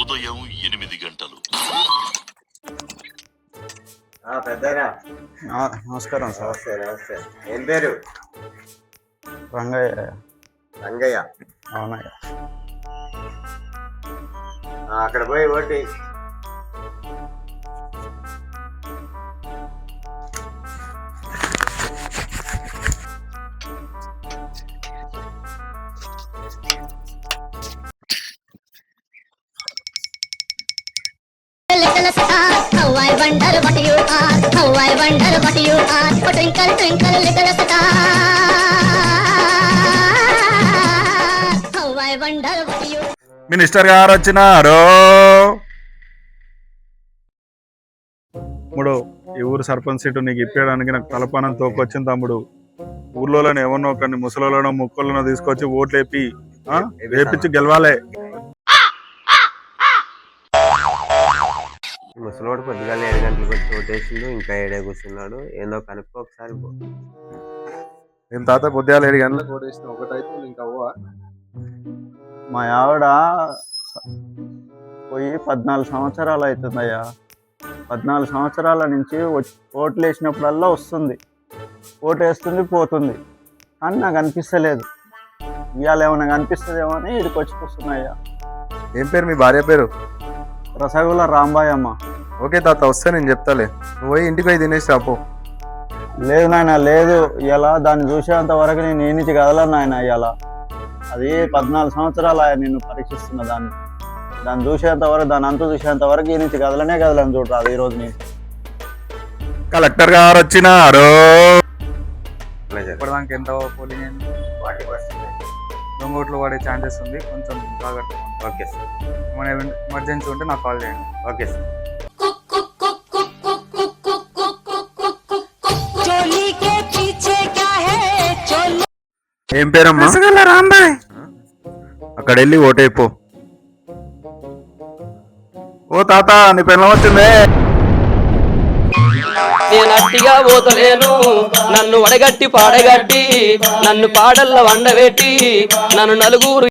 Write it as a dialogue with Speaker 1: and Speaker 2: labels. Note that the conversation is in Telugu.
Speaker 1: ఉదయం 8 గంటలు.
Speaker 2: పెద్దనా
Speaker 3: నమస్కారం సార్.
Speaker 2: నమస్తే. ఏం పేరు?
Speaker 3: రంగయ్య.
Speaker 2: రంగయ్య?
Speaker 3: అవునయ్య.
Speaker 2: అక్కడ పోయి ఓటి.
Speaker 4: Little star, how I wonder what you are, how I wonder what you are, oh twinkle twinkle little star, how I wonder what you are.
Speaker 5: Minister గారు వచ్చినారు. తమ్ముడు, ఈ ఊరు సర్పంచ్ సీటు నీకు ఇప్పేయడానికి నాకు తలపానం తోకొచ్చింది తమ్ముడు. ఊర్లోనే ఎవరినో ఒకరిని ముసలోళ్ళనో ముక్కలను తీసుకొచ్చి ఓట్లు వేపించి గెలవాలి.
Speaker 2: ముసలోడు పొద్దుగా 7 గంటలకు వచ్చి ఓటేసిండు, ఇంకా 7 కూర్చున్నాడు. ఏందో కనుక్కో ఒకసారి.
Speaker 5: ఏం తాత పొద్దుగా 7 గంటలకు ఓటేసిన ఒకటైతే ఇంకా అవ్వ.
Speaker 3: మా ఆవిడ పోయి 14 సంవత్సరాలు అవుతుందయ్యా. 14 సంవత్సరాల నుంచి ఓట్లు వేసినప్పుడల్లా వస్తుంది, ఓటు వేస్తుంది, పోతుంది. కానీ నాకు అనిపిస్తలేదు. ఇవాళ ఏమైనా కనిపిస్తుందేమో అని ఇక్కడికి వచ్చి కూర్చున్నాయ్యా.
Speaker 5: ఏం పేరు మీ భార్య పేరు?
Speaker 3: రసగుల్ల రాంబాయ్ అమ్మ.
Speaker 5: ఓకే తాత, వస్తే నేను చెప్తాలే. నువ్వు పోయి ఇంటికి పోయి తినేసి రాపో.
Speaker 3: లేదు నాయన, లేదు. ఇలా దాన్ని చూసేంత వరకు నేను ఏ నుంచి కదలను నాయన. ఇలా అది 14 సంవత్సరాలు ఆయన నిన్ను పరీక్షిస్తున్న దాన్ని చూసేంత వరకు, దాని అంతు చూసేంత వరకు ఈ నుంచి కదలని చూడరాదు. ఈ రోజు నేను
Speaker 5: కలెక్టర్ గారు వచ్చినారు.
Speaker 6: ఇప్పటిదానికి ఎంత పోలింగ్ అయింది?
Speaker 2: 40%.
Speaker 6: దొంగ ఓట్లు పడే ఛాన్సెస్ ఉంది, కొంచెం జాగ్రత్త.
Speaker 2: Okay sir.
Speaker 6: మన ఎమర్జెన్సీ ఉంటే నాకు కాల్ చేయండి.
Speaker 2: Okay sir.
Speaker 5: ఏం పేరమ్మా? రాంబాయ్. అక్కడ వెళ్ళి ఓటైపో. ఓ తాత, నీ పెళ్ళం వచ్చిందే.
Speaker 7: నేను అట్టిగా పోతలేను, నన్ను వడగట్టి పాడగట్టి, నన్ను పాడల్ల వండబెట్టి, నన్ను నలుగురు